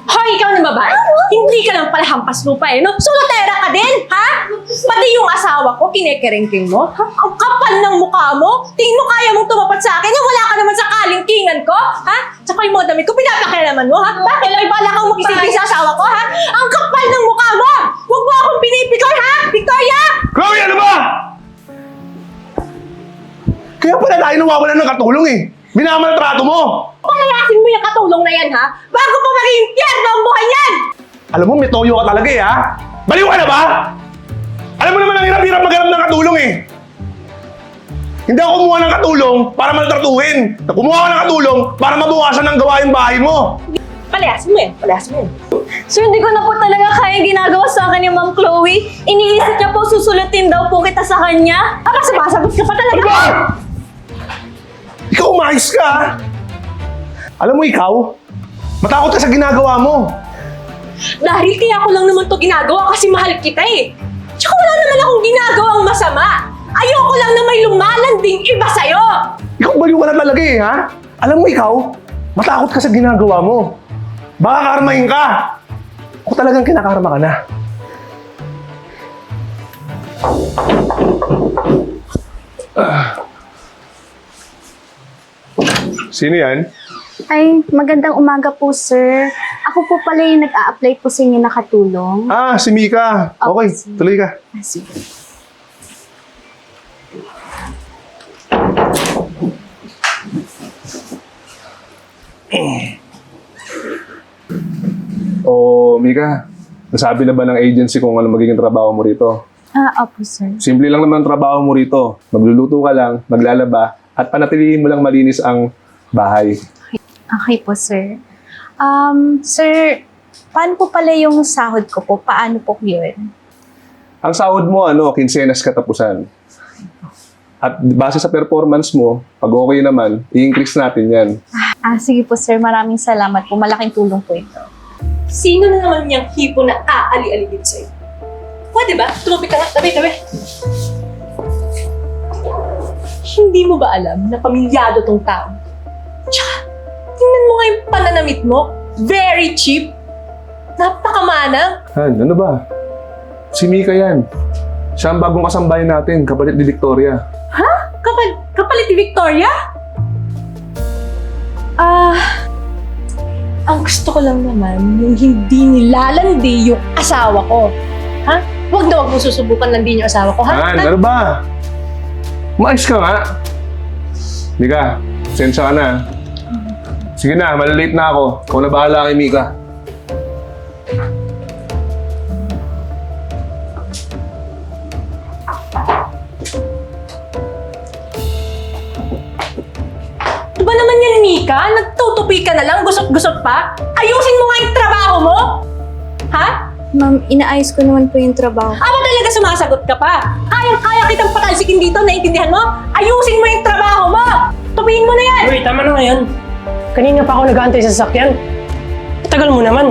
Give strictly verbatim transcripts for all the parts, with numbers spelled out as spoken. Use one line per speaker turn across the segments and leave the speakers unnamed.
Hoy, ikaw na ba? Hindi ka lang pala hampas lupa eh, no? Solotera ka din, ha? Pati yung asawa ko, kinekerengking mo? Ha? Ang kapal ng mukha mo? Tingin mo kaya mong tumapat sa akin? Yung wala ka naman sa kalingkingan ko, ha? Tsaka yung mga damit ko, pinapakialaman mo, ha? Bakit? May bala kang makisipin sa asawa ko, ha? Ang kapal ng mukha mo! Huwag mo akong pinipikoy, ha? Victoria!
Chloe, ano ba? Kaya pala tayo nawawalan ng katulong eh. Minamaltrato mo.
Palayasin mo yung katulong na yan, ha? Bago pa maging impyerno ang buhay yan!
Alam mo, may toyo ka talaga eh, ha? Baliw ka na ba? Alam mo naman ang hirap-hirap maghanap ng katulong eh. Hindi ako kumuha ng katulong para maltratuhin. Kumuha ka ng katulong para mabukasan ng gawain bahay mo.
Palayasin mo yan, palayasin mo yan.
Sir, hindi ko na po talaga kaya ginagawa sa akin ni Ma'am Chloe. Iniisip niya po susulutin daw po kita sa kanya.
Aba, sumasagot ka pa talaga.
Ano ba? Ikaw umayos ka, ha? Alam mo ikaw, matakot ka sa ginagawa mo.
Dahil kaya ko lang naman to ginagawa kasi mahal kita eh. Tsaka wala naman akong ginagawang masama. Ayoko lang na may lumalanding iba sa'yo.
Ikaw baliw ka na talaga eh, ha? Alam mo ikaw, matakot ka sa ginagawa mo. Baka karmahin ka. Ako talagang kinakarma ka na. Ah. Sino yan?
Ay, magandang umaga po, sir. Ako po pala yung nag-a-apply po sa inyo na katulong.
Ah, si Mika. Okay, tuloy ka.
Ah, sige.
Oh, Mika. Nasabi na ba ng agency kung ano magiging trabaho mo rito?
Ah, opo, sir.
Simple lang naman ang trabaho mo rito. Magluluto ka lang, maglalaba, at panatilihin mo lang malinis ang bahay.
Okay po, sir. Um, sir, paano po pala yung sahod ko po? Paano po yun?
Ang sahod mo, ano, kinsenas katapusan. At base sa performance mo, pag okay naman, i-increase natin yan.
Ah, sige po, sir. Maraming salamat po. Malaking tulong po ito.
Sino na naman niyang hipo na aali-aligid sa'yo? Pwede ba? Tumapit ka nga. Tabi, tabi. Hindi mo ba alam na pamilyado tong tao? Tsaka, tingnan mo nga yung pananamit mo. Very cheap. Napakamanang.
Han, ano ba? Si Mika yan. Siya ang bagong kasambahay natin, kapalit ni Victoria.
Ha? Kapal, kapalit ni Victoria? Ah, ang gusto ko lang naman yung hindi nilalandi yung asawa ko. Ha? Huwag na huwag mo susubukan landin yung asawa ko, ha?
Han, ano ba? Maayos ka nga. Mika, sensya ka na. Sige na, malalate na ako. Ikaw na bahala kay Mika.
Ano ba naman yan, Mika? Nagtutupi ka na lang, gusot-gusot pa? Ayusin mo nga yung trabaho mo! Ha?
Ma'am, inaayos ko naman po yung trabaho.
Aba talaga sumasagot ka pa? Kayang-kaya kitang patalsikin dito, naiintindihan mo? Ayusin mo yung trabaho mo! Tupiin mo na yan!
Uy, tama na ngayon. Kanina pa ako nag-aantay sa sasakyan. Tagal mo naman.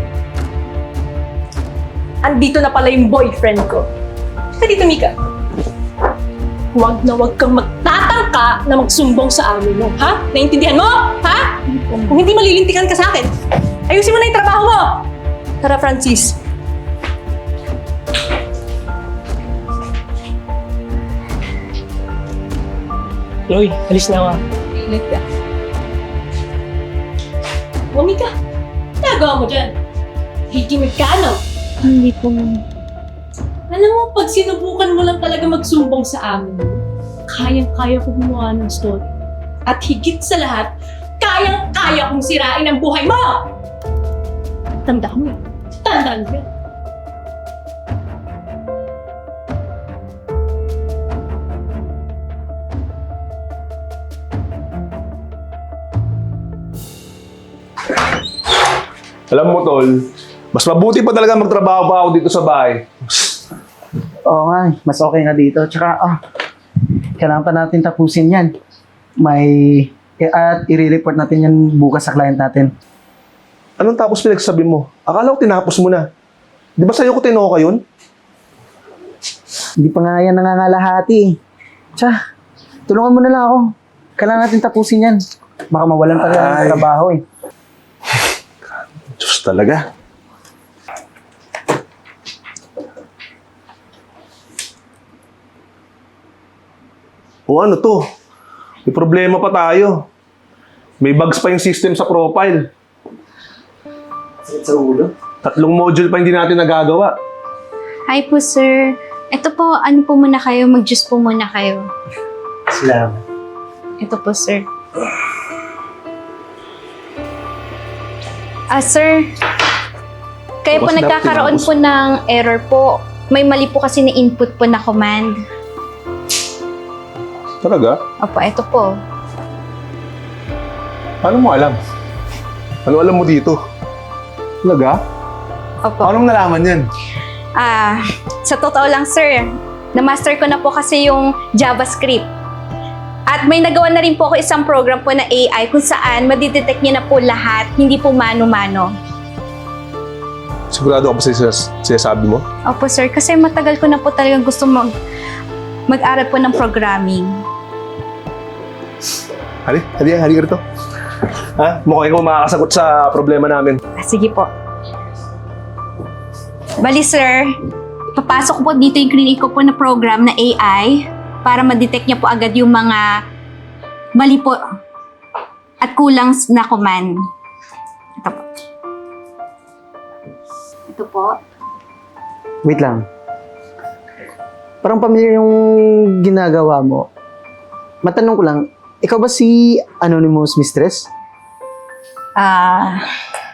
Andito na pala yung boyfriend ko. Ka dito, Mika. Huwag na huwag kang magtatangka na magsumbong sa amin mo, ha? Naiintindihan mo? Ha? Kung hindi malilintikan ka sa akin, ayusin mo na yung trabaho mo! Tara, Francis.
Chloe, alis na ako.
Ingat ka. O, Mika, nagawa mo dyan. Hikimik ka, ano?
Hindi po, ma'am.
Alam mo, pag sinubukan mo lang talaga magsumbong sa amin, kayang-kaya ko gumawa ng story. At higit sa lahat, kayang-kaya kong sirain ang buhay mo! Tandaan mo yan. Tandaan mo yan.
Alam mo, Tol, mas mabuti pa talaga magtrabaho pa ako dito sa bahay.
Oo nga, mas okay nga dito. Tsaka, ah, kailangan pa natin tapusin yan. May, at i-report natin yan bukas sa client natin.
Anong tapos pinagsasabi mo? Akala ko tinapos mo na. Di ba sa'yo ko tinoka yun?
Hindi pa nga yan nangangalahati. Tsaka, tulungan mo na lang ako. Kailangan natin tapusin yan. Baka mawalan pa rin
Ay.
ng trabaho eh.
Diyos Diyos talaga. O ano to? May problema pa tayo. May bugs pa yung system sa profile.
Sakit sa ulo.
Tatlong module pa hindi natin nagagawa.
Hi po, sir. Ito po, ano po muna kayo? Mag-juice po muna kayo.
Salamat.
Ito po, sir. Ah, sir. Kayo po
What's that,
nagkakaroon
tinapos?
po ng error po. May mali po kasi na input po na command.
Talaga?
Opo, ito po.
Paano mo alam? Ano alam mo dito? Talaga?
Opo.
Anong nalaman yan?
Ah, sa totoo lang, sir, na-master ko na po kasi yung JavaScript. At may nagawa na rin po ako isang program po na A I kung saan madidetect niya na po lahat, hindi po mano-mano.
Sigurado ka pa sa sinas- sinasabi mo?
Opo, sir, kasi matagal ko na po talagang gusto mag mag-aral po ng programming.
Hali, hali, hali ka rito. Ha? Mukhang ikaw makakasagot sa problema namin.
Ah, sige po. Bali, sir, papasok ko po dito yung clinic ko po na program na A I para ma-detect niya po agad yung mga mali po at kulang na command. Ito po. Ito po.
Wait lang. Parang pamilyar yung ginagawa mo. Matanong ko lang, ikaw ba si Anonymous Mistress?
Ah...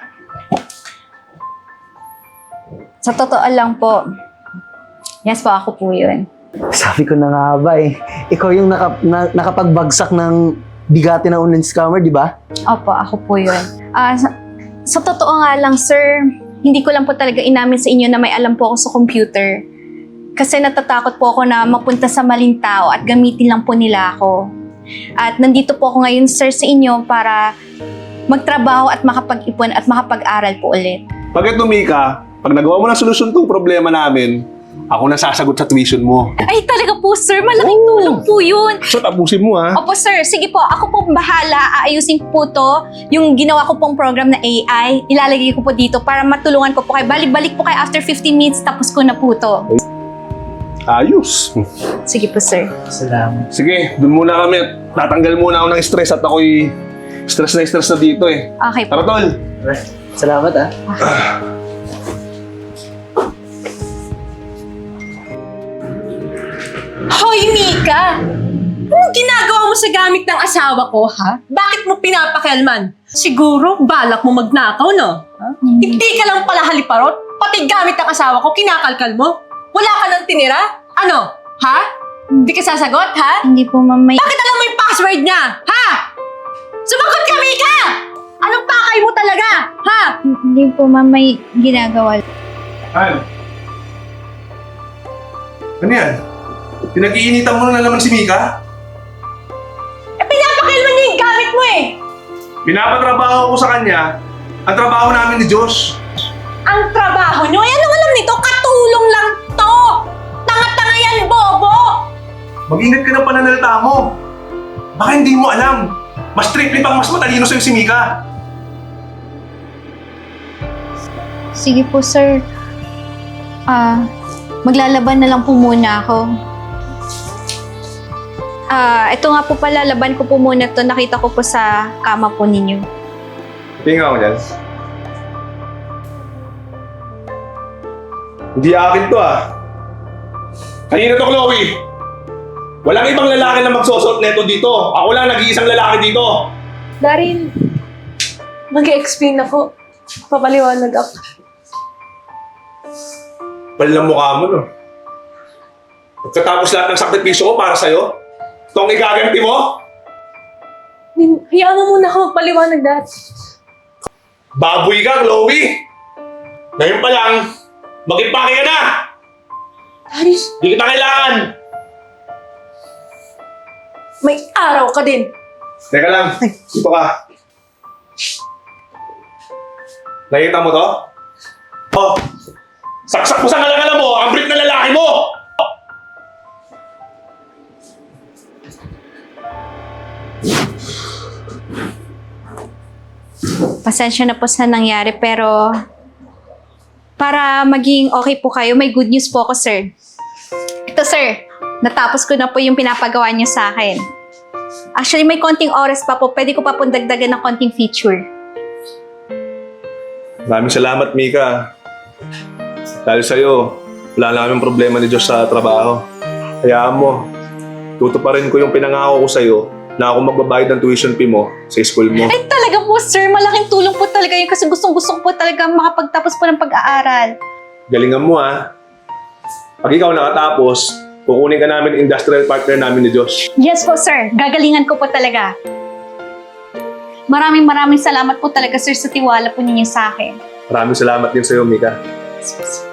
sa totoo lang po, yes po, ako po yun.
Sabi ko na nga ba eh. Ikaw yung naka, na, nakapagbagsak ng bigati na online scammer, di ba?
Opo, ako po yun. Ah, sa, sa totoo nga lang, sir, hindi ko lang po talaga inamin sa inyo na may alam po ako sa computer. Kasi natatakot po ako na mapunta sa maling tao at gamitin lang po nila ako. At nandito po ako ngayon, sir, sa inyo para magtrabaho at makapag-ipon at makapag-aral po ulit.
Pag ito, Mika, pag nagawa mo ng solusyon tong problema namin, ako na sasagot sa tuition mo.
Ay, talaga po, sir. Malaking
Oo.
tulong po yun.
So, tapusin mo, ha?
Opo, sir. Sige po. Ako po bahala. Aayusin ko po to. Yung ginawa ko pong program na A I, ilalagay ko po dito para matulungan ko po kayo. Balik-balik po kayo after fifteen minutes, tapos ko na po to.
Ayos.
Sige po, sir.
Salamat.
Sige, dun muna kami. Tatanggal muna ako ng stress at ako'y stress na stress na dito, eh.
Okay po.
Tara, tol.
Salamat ah.
Hoy, Mika! Anong ginagawa mo sa gamit ng asawa ko, ha? Bakit mo pinapakialman? Siguro, balak mo magnakaw, no? Ha? Hindi ka lang pala haliparot. Pati gamit ng asawa ko, kinakalkal mo. Wala ka nang tinira? Ano? Ha? Hindi ka sasagot, ha?
Hindi po, ma'am. May...
Bakit alam mo yung password niya? Ha? Sumagot ka, Mika! Anong pakay mo talaga? Ha?
Hindi po, ma'am. May ginagawa.
Han. Ano yan? Pinag-iinitan mo na naman si Mika?
Eh, pinapakialman niya yung gamit mo eh!
Pinapatrabaho ko sa kanya ang trabaho namin ni Josh.
Ang trabaho niyo? Eh, anong alam nito? Katulong lang to! Tanga-tanga yan, bobo!
Mag-ingat ka ng pananalita mo. Baka hindi mo alam. Mas triple pang mas matalino sa'yo si Mika.
Sige po, sir. Ah, maglalaban na lang po muna ako. Ah, ito nga po pala, laban ko po muna to. Nakita ko po sa kama po ninyo.
Tingnan ko dyan. Hindi akin to ah. Kanina to, Chloe. Walang ibang lalaki na magsusot neto dito. Ako lang nag-iisang lalaki dito.
Darin, mag-explain ako. Papaliwanag ako.
Palang mukha mo, no? Pagkatapos lahat ng sakripisyo ko para sa'yo, ito ang igaganti mo?
Nin- Hayaan mo muna ako magpaliwanag dahil.
Baboy ka, Chloe! Ngayon pa lang, mag-impake ka na!
Daris,
Hindi kita kailangan!
may araw ka din.
Teka lang, dito ka. Nakita mo to? Oh, saksak mo sa kalangala mo, ang break na lalaki mo!
Pasensya na po sa nangyari, pero para maging okay po kayo, may good news po ako, sir. Ito, sir. Natapos ko na po yung pinapagawa niyo sa akin. Actually, may konting oras pa po. Pwede ko pa pong dagdagan ng konting feature.
Maraming salamat, Mika. Dahil sa'yo, wala na kaming problema ni Diyos sa trabaho. Hayaan mo, tutuparin ko yung pinangako ko sa'yo na ako magbabayad ng tuition fee mo sa school mo.
Ay, talaga po, sir. Malaking tulong po talaga yun kasi gustong-gusto ko po talaga makapagtapos po ng pag-aaral.
Galingan mo, ha? Pag ikaw nakatapos, kukunin ka namin industrial partner namin ni Diyos.
Yes po, sir. Gagalingan ko po talaga. Maraming maraming salamat po talaga, sir, sa tiwala po ninyo sa akin.
Maraming salamat din sa'yo, Mika.
Yes po, sir.